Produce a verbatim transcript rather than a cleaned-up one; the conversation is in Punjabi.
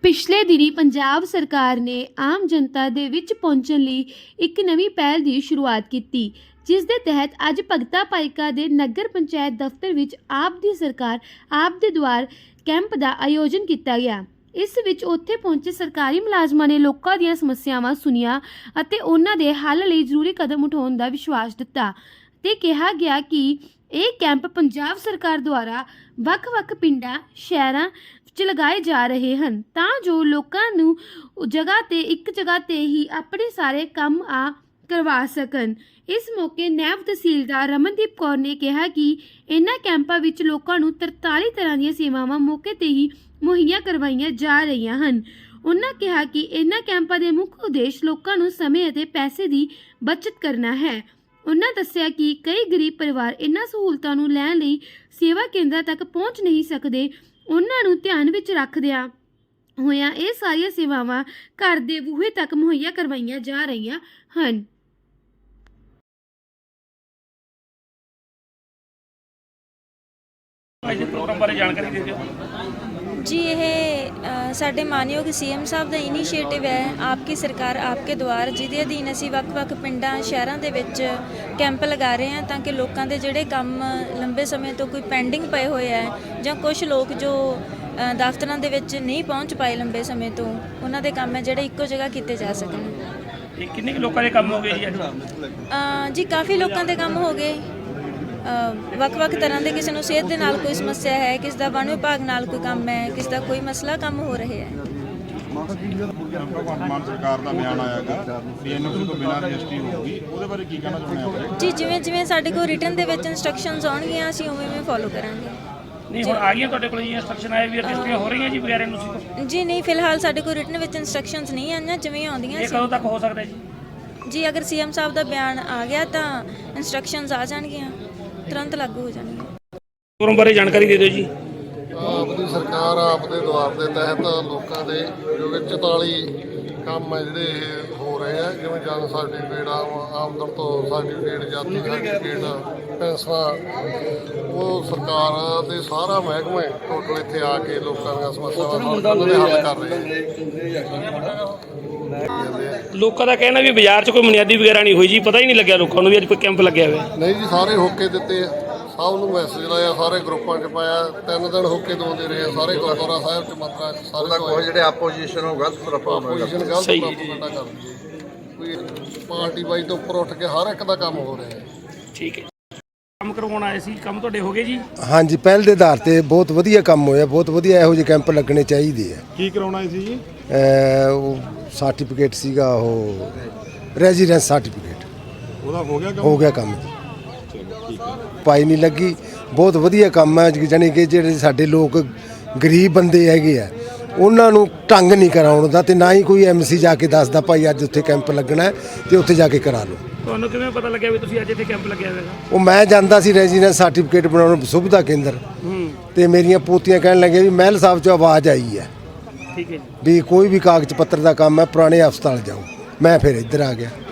ਪਿਛਲੇ ਦਿਨੀਂ ਪੰਜਾਬ ਸਰਕਾਰ ਨੇ ਆਮ ਜਨਤਾ ਦੇ ਵਿੱਚ ਪਹੁੰਚਣ ਲਈ ਇੱਕ ਨਵੀਂ ਪਹਿਲ ਦੀ ਸ਼ੁਰੂਆਤ ਕੀਤੀ, ਜਿਸ ਦੇ ਤਹਿਤ ਅੱਜ ਭਗਤਾ ਭਾਈਕਾ ਦੇ ਨਗਰ ਪੰਚਾਇਤ ਦਫ਼ਤਰ ਵਿੱਚ ਆਪ ਦੀ ਸਰਕਾਰ ਆਪ ਦੇ ਦੁਆਰ ਕੈਂਪ ਦਾ ਆਯੋਜਨ ਕੀਤਾ ਗਿਆ। ਇਸ ਵਿੱਚ ਉੱਥੇ ਪਹੁੰਚੇ ਸਰਕਾਰੀ ਮੁਲਾਜ਼ਮਾਂ ਨੇ ਲੋਕਾਂ ਦੀਆਂ ਸਮੱਸਿਆਵਾਂ ਸੁਣੀਆਂ ਅਤੇ ਉਹਨਾਂ ਦੇ ਹੱਲ ਲਈ ਜ਼ਰੂਰੀ ਕਦਮ ਉਠਾਉਣ ਦਾ ਵਿਸ਼ਵਾਸ ਦਿੱਤਾ ਤੇ ਕਿਹਾ ਗਿਆ ਕਿ ਇਹ ਕੈਂਪ ਪੰਜਾਬ ਸਰਕਾਰ ਦੁਆਰਾ ਵੱਖ-ਵੱਖ ਪਿੰਡਾਂ ਸ਼ਹਿਰਾਂ ਵਿੱਚ ਲਗਾਏ ਜਾ ਰਹੇ ਹਨ ਤਾਂ ਜੋ ਲੋਕਾਂ ਨੂੰ ਜਗ੍ਹਾ ਤੇ ਇੱਕ ਜਗ੍ਹਾ ਤੇ ਹੀ ਆਪਣੇ ਸਾਰੇ ਕੰਮ ਆ ਕਰਵਾ ਸਕਣ। ਇਸ ਮੌਕੇ ਨਾਇਬ ਤਹਿਸੀਲਦਾਰ ਰਮਨਦੀਪ ਕੌਰ ਨੇ ਕਿਹਾ ਕਿ ਇਹਨਾਂ ਕੈਂਪਾਂ ਵਿੱਚ ਲੋਕਾਂ ਨੂੰ ਤਰਤਾਲੀ ਤਰ੍ਹਾਂ ਦੀਆਂ ਸੇਵਾਵਾਂ ਮੌਕੇ ਤੇ ਹੀ ਮੁਹੱਈਆ ਕਰਵਾਈਆਂ ਜਾ ਰਹੀਆਂ ਹਨ। ਉਹਨਾਂ ਕਿਹਾ ਕਿ ਇਹਨਾਂ ਕੈਂਪਾਂ ਦੇ ਮੁੱਖ ਉਦੇਸ਼ ਲੋਕਾਂ ਨੂੰ ਸਮੇਂ ਅਤੇ ਪੈਸੇ ਦੀ ਬਚਤ ਕਰਨਾ ਹੈ। ਉਹਨਾਂ ਦੱਸਿਆ ਕਿ ਕਈ ਗਰੀਬ ਪਰਿਵਾਰ ਇਹਨਾਂ ਸਹੂਲਤਾਂ ਨੂੰ ਲੈਣ ਲਈ ਸੇਵਾ ਕੇਂਦਰਾਂ ਤੱਕ ਪਹੁੰਚ ਨਹੀਂ ਸਕਦੇ। ਉਹਨਾਂ ਨੂੰ ਧਿਆਨ ਵਿੱਚ ਰੱਖਦਿਆਂ ਹੋਇਆਂ ਇਹ ਸਾਰੀਆਂ ਸੇਵਾਵਾਂ ਘਰ ਦੇ ਬੂਹੇ ਤੱਕ ਮੁਹੱਈਆ ਕਰਵਾਈਆਂ ਜਾ ਰਹੀਆਂ ਹਨ। ਪ੍ਰੋਗਰਾਮ ਬਾਰੇ ਜਾਣਕਾਰੀ ਦੇ ਦਿਓ जी। ਇਹ ਸਾਡੇ ਮਾਨਯੋਗ ਸੀਐਮ ਸਾਹਿਬ ਦਾ ਇਨੀਸ਼ੀਏਟਿਵ ਹੈ ਆਪਕੀ ਸਰਕਾਰ ਆਪਕੇ ਦੁਆਰ, ਜਿਹਦੇ ਅਧੀਨ ਅਸੀਂ ਵੱਖ-ਵੱਖ ਪਿੰਡਾਂ ਸ਼ਹਿਰਾਂ ਦੇ ਵਿੱਚ ਕੈਂਪ ਲਗਾ ਰਹੇ ਹਾਂ ਤਾਂ ਕਿ ਲੋਕਾਂ ਦੇ ਜਿਹੜੇ ਕੰਮ ਲੰਬੇ ਸਮੇਂ ਤੋਂ ਕੋਈ ਪੈਂਡਿੰਗ ਪਏ ਹੋਏ ਹੈ ਜਾਂ ਕੁਝ ਲੋਕ ਜੋ ਦਫ਼ਤਰਾਂ ਦੇ ਵਿੱਚ ਨਹੀਂ ਪਹੁੰਚ ਪਾਏ ਲੰਬੇ ਸਮੇਂ ਤੋਂ, ਉਹਨਾਂ ਦੇ ਕੰਮ ਹੈ ਜਿਹੜੇ ਇੱਕੋ ਜਗ੍ਹਾ ਕੀਤੇ ਜਾ ਸਕਣ। ਇਹ ਕਿੰਨੇ ਕੁ ਲੋਕਾਂ ਦੇ ਕੰਮ ਹੋ ਗਏ ਜੀ ਅੱਜ? ਜੀ ਕਾਫੀ ਲੋਕਾਂ ਦੇ ਕੰਮ ਹੋ ਗਏ, ਵੱਖ-ਵੱਖ ਤਰ੍ਹਾਂ ਦੇ। ਕਿਸੇ ਨੂੰ ਸਿਹਤ ਦੇ ਨਾਲ ਕੋਈ ਸਮੱਸਿਆ ਹੈ, ਕਿਸ ਦਾ ਵਣ ਵਿਭਾਗ ਨਾਲ ਕੋਈ ਕੰਮ ਹੈ, ਕਿਸ ਦਾ ਕੋਈ ਮਸਲਾ ਕੰਮ ਹੋ ਰਿਹਾ ਹੈ। ਮਾਨ ਸਰਕਾਰ ਦਾ ਬਿਆਨ ਆਇਆਗਾ ਵੀ ਐਨਓਸੀ ਤੋਂ ਬਿਨਾਂ ਰਜਿਸਟਰੀ ਹੋਊਗੀ, ਉਹਦੇ ਬਾਰੇ ਕੀ ਕਹਿਣਾ ਚਾਹੁੰਦੇ ਹੋ? ਜੀ ਜਿਵੇਂ ਜਿਵੇਂ ਸਾਡੇ ਕੋਲ ਰਿਟਨ ਦੇ ਵਿੱਚ ਇਨਸਟਰਕਸ਼ਨਸ ਆਉਣਗੀਆਂ ਅਸੀਂ ਉਵੇਂ ਉਵੇਂ ਫੋਲੋ ਕਰਾਂਗੇ। ਨਹੀਂ ਹੁਣ ਆ ਗਈਆਂ ਤੁਹਾਡੇ ਕੋਲ ਜੀ ਇਨਸਟਰਕਸ਼ਨ ਆਏ ਵੀ ਰਜਿਸਟਰੀਆਂ ਹੋ ਰਹੀਆਂ ਜੀ ਬਗੈਰ ਐਨਓਸੀ ਤੋਂ? ਜੀ ਨਹੀਂ, ਫਿਲਹਾਲ ਸਾਡੇ ਕੋਲ ਰਿਟਨ ਵਿੱਚ ਇਨਸਟਰਕਸ਼ਨਸ ਨਹੀਂ ਆਈਆਂ, ਜਿਵੇਂ ਆਉਂਦੀਆਂ ਇਹ ਕਦੋਂ ਤੱਕ ਹੋ ਸਕਦਾ ਜੀ? ਜੀ ਅਗਰ ਸੀਐਮ ਸਾਹਿਬ ਦਾ ਬਿਆਨ ਆ ਗਿਆ ਤਾਂ ਇਨਸਟਰਕਸ਼ਨਸ ਆ ਜਾਣਗੀਆਂ, ਤੁਰੰਤ ਲਾਗੂ ਹੋ ਜਾਣਗੀਆਂ। ਪ੍ਰੋਗਰਾਮ ਬਾਰੇ ਜਾਣਕਾਰੀ ਦੇ ਦਿਓ ਜੀ। ਆਪ ਦੀ ਸਰਕਾਰ ਆਪ ਦੇ ਦੁਆਰ ਦੇ ਤਹਿਤ ਲੋਕਾਂ ਦੇ ਜੋ ਕਿ ਚੁਤਾਲੀ ਕੰਮ ਹੈ ਜਿਹੜੇ ਇਹ ਹੋ ਰਹੇ ਆ, ਜਿਵੇਂ ਜਨਮ ਸਰਟੀਫਿਕੇਟ, ਆਮਦਨ ਤੋਂ ਸਰਟੀਫਿਕੇਟ, ਜਾਤੀ ਸਰਟੀਫਿਕੇਟ, ਪੈਨਸ਼ਨਾਂ, ਉਹ ਸਰਕਾਰ ਦੇ ਸਾਰਾ ਮਹਿਕਮੇ ਟੋਟਲ ਇੱਥੇ ਆ ਕੇ ਲੋਕਾਂ ਦੀਆਂ ਸਮੱਸਿਆਵਾਂ ਦੇ ਹੱਲ ਕਰ ਰਹੇ ਆ। ਲੋਕਾਂ ਦਾ ਕਹਿਣਾ ਵੀ ਬਾਜ਼ਾਰ 'ਚ ਕੋਈ ਬੁਨਿਆਦੀ ਵਗੈਰਾ ਨਹੀਂ ਹੋਈ ਜੀ, ਪਤਾ ਹੀ ਨਹੀਂ ਲੱਗਿਆ ਲੋਕਾਂ ਨੂੰ ਵੀ ਅੱਜ ਕੋਈ ਕੈਂਪ ਲੱਗਿਆ ਹੋਇਆ। ਨਹੀਂ ਜੀ, ਸਾਰੇ ਹੋਕੇ ਦਿੱਤੇ, ਸਭ ਨੂੰ ਮੈਸੇਜ ਲਾਇਆ, ਸਾਰੇ ਗਰੁੱਪਾਂ 'ਚ ਪਾਇਆ, ਤਿੰਨ ਦਿਨ ਹੋਕੇ ਦਵਾਉਂਦੇ ਰਹੇ ਸਾਰੇ ਗੁਰਦੁਆਰਾ ਸਾਹਿਬ 'ਚ ਮੱਥਾ ਸਾਰੇ ਕੋਈ ਜਿਹੜੇ ਆਪੋਜੀਸ਼ਨ ਉਹ ਗਲਤ ਆਪੋਜੀਸ਼ਨ ਗਲਤ ਪ੍ਰੋਪਗੈਂਡਾ ਕਰਦੀ ਹੈ, ਕੋਈ ਪਾਰਟੀ ਬਾਈ ਤੋਂ ਉੱਪਰ ਉੱਠ ਕੇ ਹਰ ਇੱਕ ਦਾ ਕੰਮ ਹੋ ਰਿਹਾ ਹੈ। ਠੀਕ ਹੈ, ਕੰਮ ਕਰਵਾਉਣ ਆਏ ਸੀ, ਕੰਮ ਤੁਹਾਡੇ ਹੋ ਗਏ ਜੀ? ਹਾਂਜੀ, ਪਹਿਲ ਦੇ ਆਧਾਰ ਤੇ ਬਹੁਤ ਵਧੀਆ ਕੰਮ ਹੋਇਆ, ਬਹੁਤ ਵਧੀਆ ਇਹੋ ਜਿਹੇ ਕੈਂਪ ਲੱਗਣੇ ਚਾਹੀਦੇ ਆ। ਕੀ ਕਰਾਉਣਾ ਸੀ ਜੀ? ਉਹ ਸਰਟੀਫਿਕੇਟ ਸੀਗਾ, ਉਹ ਰੈਜ਼ੀਡੈਂਸ ਸਰਟੀਫਿਕੇਟ, ਉਹਦਾ ਹੋ ਗਿਆ ਕੰਮ? ਹੋ ਗਿਆ ਕੰਮ ਜੀ, ਪਾਈ ਨਹੀਂ ਲੱਗੀ। ਬਹੁਤ ਵਧੀਆ ਕੰਮ ਹੈ, ਜਾਣੀ ਕਿ ਜਿਹੜੇ ਸਾਡੇ ਲੋਕ ਗਰੀਬ ਬੰਦੇ ਹੈਗੇ ਆ ਉਹਨਾਂ ਨੂੰ ਢੰਗ ਨਹੀਂ ਕਰਾਉਣ ਦਾ, ਤੇ ਨਾ ਹੀ ਕੋਈ ਐਮਸੀ ਜਾ ਕੇ ਦੱਸਦਾ ਭਾਈ ਅੱਜ ਉੱਥੇ ਕੈਂਪ ਲੱਗਣਾ ਤੇ ਉੱਥੇ ਜਾ ਕੇ ਕਰਾ ਲਓ। ਤੁਹਾਨੂੰ ਕਿਵੇਂ ਪਤਾ ਲੱਗਿਆ ਵੀ ਤੁਸੀਂ ਅੱਜ ਇੱਥੇ ਕੈਂਪ ਲੱਗਿਆ ਹੋਇਆ? ਉਹ ਮੈਂ ਜਾਂਦਾ ਸੀ ਰੈਜ਼ੀਡੈਂਸ ਸਰਟੀਫਿਕੇਟ ਬਣਾਉਣ ਸੁਵਿਧਾ ਕੇਂਦਰ, ਤੇ ਮੇਰੀਆਂ ਪੋਤੀਆਂ ਕਹਿਣ ਲੱਗੀਆਂ ਵੀ ਮਹਿਲ ਸਾਹਿਬ 'ਚੋਂ ਆਵਾਜ਼ ਆਈ ਹੈ ਠੀਕ ਹੈ ਵੀ ਕੋਈ ਵੀ ਕਾਗਜ਼ ਪੱਤਰ ਦਾ ਕੰਮ ਹੈ ਪੁਰਾਣੇ ਹਸਪਤਾਲ ਜਾਓ। ਮੈਂ ਫਿਰ ਇੱਧਰ ਆ ਗਿਆ।